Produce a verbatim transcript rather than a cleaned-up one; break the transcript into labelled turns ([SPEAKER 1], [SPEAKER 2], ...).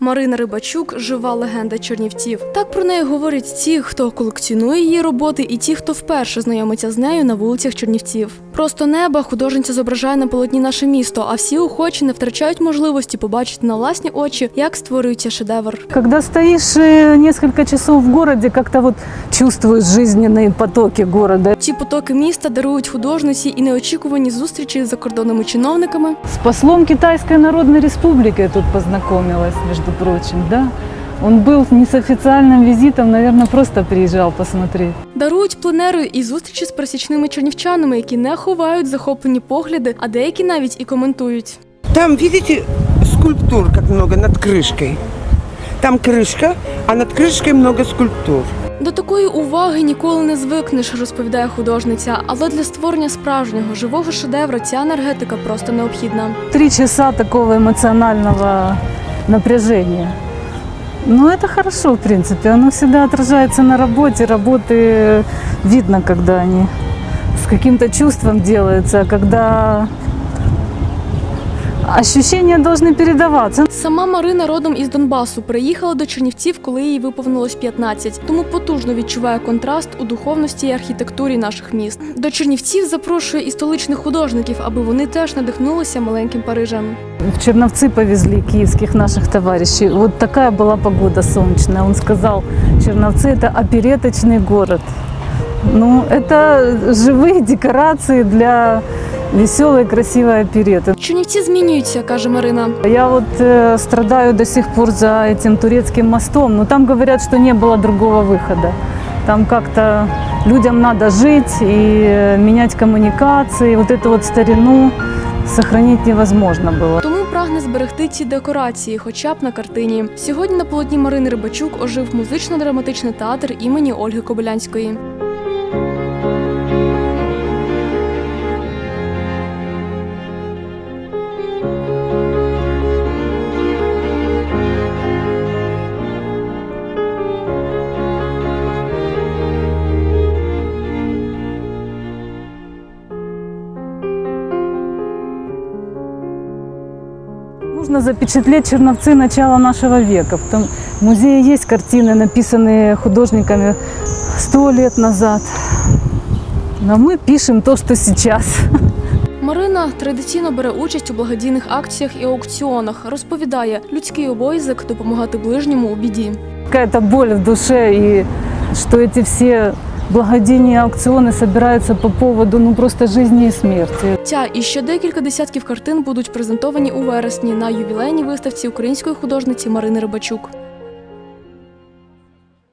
[SPEAKER 1] Марина Рибачук – жива легенда Чернівців. Так про неї говорять ті, хто колекціонує її роботи, і ті, хто вперше знайомиться з нею на вулицях Чернівців. Просто неба художниця зображає на полотні наше місто, а всі охочі не втрачають можливості побачити на власні очі, як створюється шедевр.
[SPEAKER 2] Коли стоїш кілька часов в місті, як-то вот чувствуєш життєві потоки міста.
[SPEAKER 1] Ці потоки міста дарують художниці і неочікувані зустрічі з закордонними чиновниками.
[SPEAKER 2] З послом Китайської Народної Республіки я тут познайомилась, між прочим, да? Он был не с официальным визитом, наверное, просто приезжал посмотреть.
[SPEAKER 1] Дарують пленери і зустрічі з пересічними чернівчанами, які не ховають захоплені погляди, а деякі навіть і коментують.
[SPEAKER 3] Там, видите, скульптур как много над крышкой. Там крышка, а над крышкой много скульптур.
[SPEAKER 1] До такої уваги ніколи не звикнеш, розповідає художниця, але для створення справжнього, живого шедевра ця енергетика просто необхідна.
[SPEAKER 2] Три часа такого емоціонального напряжения. Ну, это хорошо, в принципе. Оно всегда отражается на работе. Работы видно, когда они с каким-то чувством делаются, когда ощущения должны передаваться.
[SPEAKER 1] Сама Марина родом із Донбасу. Приїхала до Чернівців, коли їй виповнилось п'ятнадцять. Тому потужно відчуває контраст у духовності і архітектурі наших міст. До Чернівців запрошує і столичних художників, аби вони теж надихнулися маленьким Парижем.
[SPEAKER 2] В Черновцы повезли киевских наших товарищей. Вот такая была погода солнечная. Он сказал, Черновцы – это опереточный город. Ну, это живые декорации для веселой, красивой опереты.
[SPEAKER 1] Чернівці змінюються, каже Марина.
[SPEAKER 2] Я вот э, страдаю до сих пор за этим турецким мостом, но там говорят, что не было другого выхода. Там как-то людям надо жить и менять коммуникации, вот эту вот старину сохранить невозможно було.
[SPEAKER 1] Тому прагне зберегти ці декорації, хоча б на картині. Сьогодні на полотні Марини Рибачук ожив музично-драматичний театр імені Ольги Кобилянської.
[SPEAKER 2] Нужно запечатлеть Черновцы начала нашего века. В музее есть картины, написанные художниками сто лет назад. Но мы пишем то, что сейчас.
[SPEAKER 1] Марина традиційно бере участь у благодійних акціях і аукціонах. Розповідає, людський обов'язок допомагати ближньому у біді.
[SPEAKER 2] Какая-то боль в душе, и что эти все благодійні аукціони збираються по поводу ну, просто життя і смерті.
[SPEAKER 1] Ця і ще декілька десятків картин будуть презентовані у вересні на ювілейній виставці української художниці Марини Рибачук.